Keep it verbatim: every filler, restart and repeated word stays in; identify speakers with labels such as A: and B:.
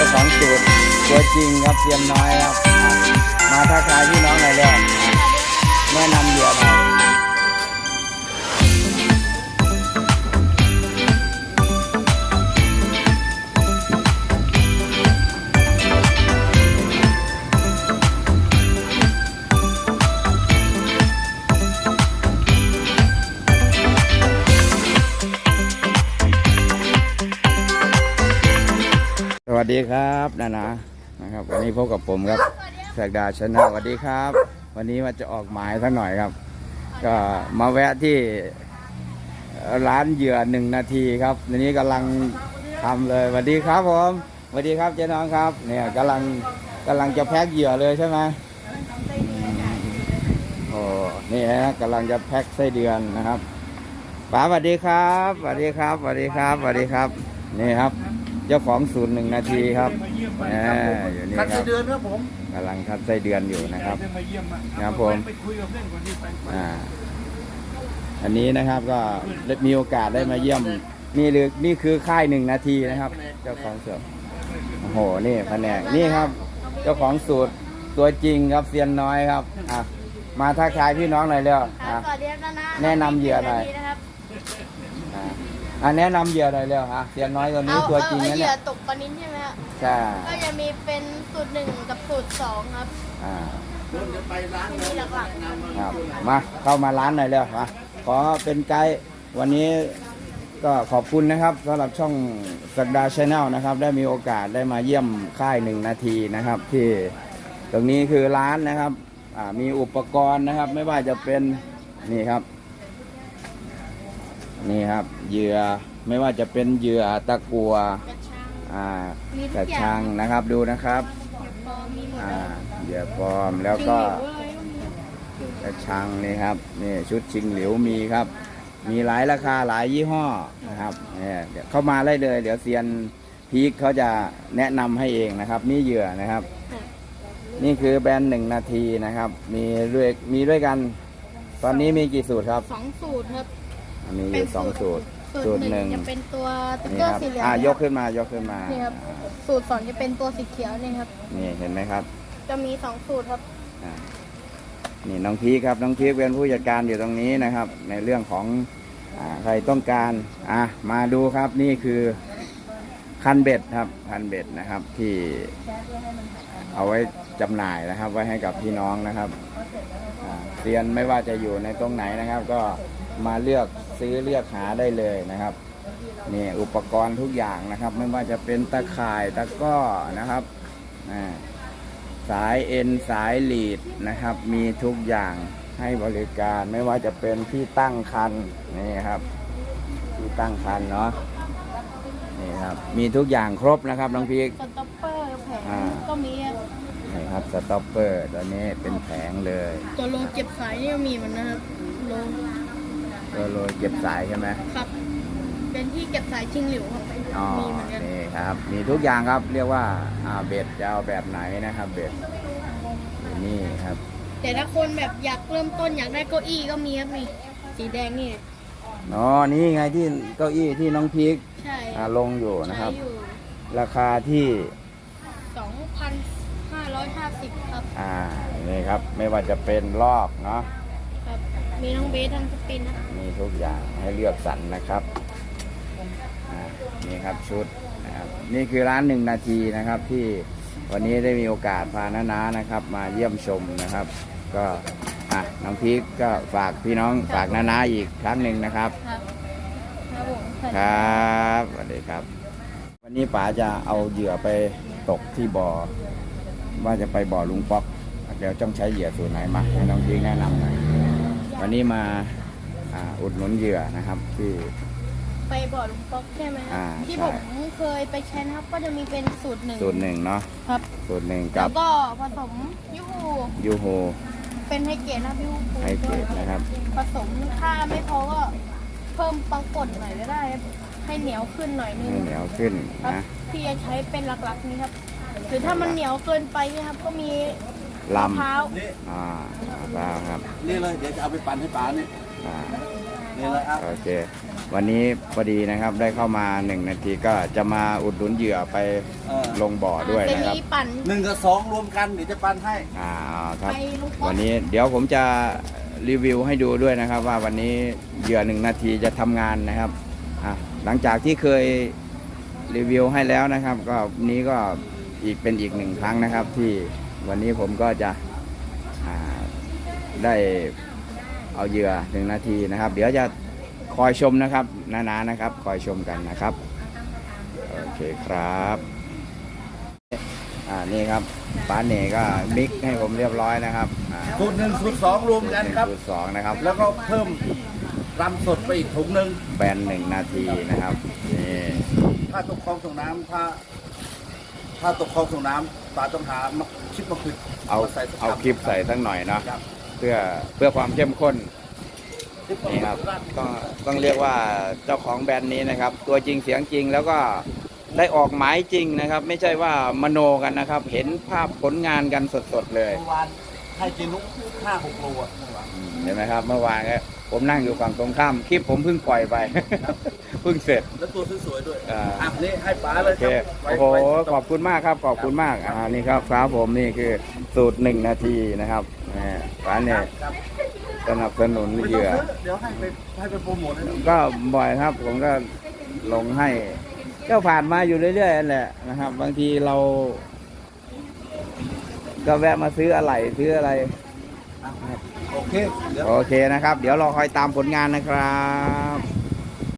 A: ของสูตรตัวจริงครับเซียนน้อยครับมาทักทายพี่น้องหน่อยแล้วแนะนำเหยื่อหน่อยสวัสดีครับนานานะครับวันนี้พบกับผมครับแสกดาชนะสวัสดีครับวันนี้มาจะออกหมายสักหน่อยครับก็มาแวะที่ร้านเหยื่อหนึ่งนาทีครับทีนี้กำลังทำเลยสวัสดีครับผมสวัสดีครับเจ๊น้องครับเนี่ยกำลังกำลังจะแพ็คเหยื่อเลยใช่ไหมโอ้นี่ฮะกำลังจะแพ็คไส้เดือนนะครับป๋าสวัสดีครับสวัสดีครับสวัสดีครับสวัสดีครับนี่ครับเจ้าของศูนย์หนึ่งนาทีครับอยู่นี่ครับคัดไส้เดือนครับผมกำลังคัดไส้เดือนอยู่นะครับครับผมอ่าอันนี้นะครับก็มีโอกาสได้มาเยี่ยมนี่หรือนี่คือค่ายหนึ่งนาทีนะครับเจ้าของสูตรโอ้โหนี่แผนกนี่ครับเจ้าของสูตรตัวจริงครับเซียนน้อยครับอ่ะมาทักทายพี่น้องหน่อยเร็วแนะนำเหยื่อหน่อยอ่าแนะนำเหยื่อหน่อยเร็วฮะเซียนน้อยตัวนี้ตัวจริงนะเนี่ยเหยื่อ
B: ตกปลานิ้นใช่ไหมครับ
A: ใช่
B: ก็จะมีเป็นสูตรหนึ่งกับสูตรสองครับ
A: อ่า
B: มีหลักๆ
A: ครับมาเข้ามาร้านหน่อยเร็วมาขอเป็นไกด์วันนี้ก็ขอบคุณนะครับสำหรับช่องสักดาชาแนลนะครับได้มีโอกาสได้มาเยี่ยมค่ายหนึ่งนาทีนะครับที่ตรงนี้คือร้านนะครับอ่ามีอุปกรณ์นะครับไม่ว่าจะเป็นนี่ครับนี่ครับเหยื่อไม่ว่าจะเป็นเหยื่อตะกัวอ่ากระชังนะครับดูนะครับอ่าเหยื่อปลอมแล้วก็กระชังนี่ครับนี่ชุดชิงหลิวมีครับมีหลายราคาหลายยี่ห้อนะครับเนี่ยเข้ามาได้เลยเดี๋ยวเซียนพีคเขาจะแนะนำให้เองนะครับนี่เหยื่อนะครับนี่คือแบรนด์หนึ่งนาทีนะครับมีด้วยมีด้วยกันตอนนี้มีกี่สูตรครับ
B: สองสูตรครับ
A: มีอยู่สองสูตร
B: สูตรหนึ่งจะเป็นตัวติ๊กเกอร์สีเหลือง
A: อ่ายกขึ้นมายกขึ้นมา
B: นี่ครับสูตรสองจะเป็นตัวสีเขียวนี่ครับ
A: นี่เห็นไหมครับ
B: จะมีสองสูตรครับ
A: นี่น้องพีครับน้องพีเป็นผู้จัดการอยู่ตรงนี้นะครับในเรื่องของอ่าใครต้องการอ่ะมาดูครับนี่คือคันเบ็ดครับคันเบ็ดนะครับที่เอาไว้จำหน่ายนะครับไว้ให้กับพี่น้องนะครับเรียนไม่ว่าจะอยู่ในตรงไหนนะครับก็มาเลือกซื้อเลือกหาได้เลยนะครับนี่อุปกรณ์ทุกอย่างนะครับไม่ว่าจะเป็นตะข่ายตะก้อนะครับสายเอ็นสายลีดนะครับมีทุกอย่างให้บริการไม่ว่าจะเป็นที่ตั้งคันนี่ครับที่ตั้งคันเนาะนี่ครับมีทุกอย่างครบนะครับน้องพีก
B: สต็อปเปอร์แผงก็มี
A: นี่ครับสต็อปเปอร์ตัวนี้เป็นแผงเลย
B: ตัวโลเก็บสายนี่มีมันนะครับโล
A: ตัวโลเก็บสายใช่ไหม
B: ครับเป็นที่เก็บสายชิงหลิวครับ
A: มีเหมือนกันนี่ครับมีทุกอย่างครับเรียกว่าอ่าเบ็ดจะเอาแบบไหนนะครับเบ็ดนี่ครับ
B: แต่ถ้าคนแบบอยากเริ่มต้นอยากได้เก้าอี้ก็มีครับนี่สีแดงนี่
A: อ๋อนี่ไงที่เก้าอี้ที่น้องพีก
B: ใช่
A: ลงอยู่นะครับราคาที่
B: สองพันห้าร้อยห้าสิบ ครับ
A: อ่านี่ครับไม่ว่าจะเป็นรอบเนาะ
B: ครับมีทั้งเบสทั้งสปินนะ
A: มีทุกอย่างให้เลือกสรรนะครับอ่านี่ครับชุดนะครับนี่คือร้านหนึ่งนาทีนะครับที่วันนี้ได้มีโอกาสพาน้านานะครับมาเยี่ยมชมนะครับก็อ่ะน้องพีคก็ฝากพี่น้องฝากน้านาอีกครั้งหนึ่งนะครับครับสวัสดีครับวันนี้ป๋าจะเอาเหยื่อไปตกที่บ่อว่าจะไปบ่อลุงป๊อกเดี๋ยวต้องใช้เหยื่อสูตรไหนมาให้น้องพีคแนะนำหน่อยวันนี้มาอ่าอุดหนุนเหยื่อนะครับที่
B: ไปบ่อลุงป๊อกใช่ไหมที่ผมเคยไปใช้นะครับก็จะมีเป็นสูตรหนึ่ง
A: สูตรหนึ่งเนาะ
B: ครับ
A: สูตรหนึ่งกับ
B: แล้วก็ผสมยูโฮ
A: ยูโฮ
B: เป็นไฮเกรดนะยูโฮ
A: ไฮเกรดนะครับ
B: ผสมถ้าไม่พอก็เพิ่มปังป่นหน่อยก็ได้ให้เหนียวขึ้นหน่อยนึง
A: ให้เหนียวขึ้นนะ
B: ที่จะใช้เป็นหลักๆนี้ครับหรือถ้ามันเหนียวเกินไปนะครับก็มี
A: ลำ
B: มะพร้าว
A: อ่ามะพร้าวครับ
C: นี่เลยเดี๋ยวจะเอาไปปั่นให้ป๋านี่
A: อ่า
C: นี่เลยครับ
A: โอเควันนี้พอดีนะครับได้เข้ามาหนึ่งนาทีก็จะมาอุดหนุนเหยื่อไป
C: เออ
A: ลงบ่อด้วย
B: จะ
A: นะครับ
B: มีปั่น
C: หนึ่งกับสองรวมกันเดี๋ยวจะปันให้
A: อ่าครับ
B: ไปลูกบอล
A: วันนี้เดี๋ยวผมจะรีวิวให้ดูด้วยนะครับ ว่าวันนี้เหยื่อหนึ่งนาทีจะทำงานนะครับอ่ะหลังจากที่เคยรีวิวให้แล้วนะครับ ก็วันนี้ก็อีกเป็นอีกหนึ่งครั้งนะครับ ที่วันนี้ผมก็จะอ่าได้เอาเหยื่อหนึ่งนาทีนะครับ เดี๋ยวจะคอยชมนะครับนาๆนะครับ คอยชมกันนะครับโอเคครับอ่านี่ครับป้าเหน่ก็มิกให้ผมเรียบร้อยนะครับอ่า
C: สูตรหนึ่งสูตรสองรวมกันครับ
A: สูตรสองนะครับ
C: แล้วก็เพิ่มรำสดไปอีกถุงหนึ่ง
A: แบนหนึ่งนาทีนะครับนี่
C: ถ้าตกคลองส่งน้ำถ้า ถ้าตกคลองส่งน้ำปลาต้องหามาคิดมาคือ
A: เอา
C: มาใส่สัก
A: เอาคลิปใส่สักหน่อยเนาะ
C: ครับ
A: เพื่อเพื่อความเข้มข้น
C: คลิปมา
A: นี่ครับ
C: ราด
A: ต้องต้องเรียกว่าเจ้าของแบรนด์นี้นะครับ ตัวจริงเสียงจริงแล้วก็ได้ออกหมายจริงนะครับ ไม่ใช่ว่ามโนกันนะครับ เห็นภาพผลงานกันสดๆเลย
C: เมื่อวานให้กินนุกห้าหกโลอ่ะเมื่อวาน
A: เห็นไหมครับ เมื่อวานก็ผมนั่งอยู่ฝั่งตรงข้ามคลิปผมเพิ่งปล่อยไป เพิ่งเสร็จ
C: แล้วตัวสวยๆด้วย
A: อ่า
C: อ่ะนี่ให้ป๋าเล
A: โอย เค
C: ครับไว้
A: โอ้โห
C: ไว้
A: ขอบคุณมากครับ ขอบคุณมาก อ่า นี่ครับครับผมนี่คือสูตรหนึ่งนาทีนะครับนี่ร้านเนี่ย
C: ครับ
A: สนับสนุน
C: ไม่
A: เห
C: ต้อง
A: ยื่อ
C: ซื้อเดี๋ยวให้ไปให้ไปโปรโมทให้ดู
A: ก็บ่อยครับ ผมก็ลงให้ ก็ผ่านมาอยู่เรื่อยๆนั่นแหละนะครับ บางทีเรา ก็แวะมาซื้ออะไรซื้ออะไร
C: โอเค เดี๋ยว
A: โอเคนะครับ เดี๋ยวรอคอยตามผลงานนะครับ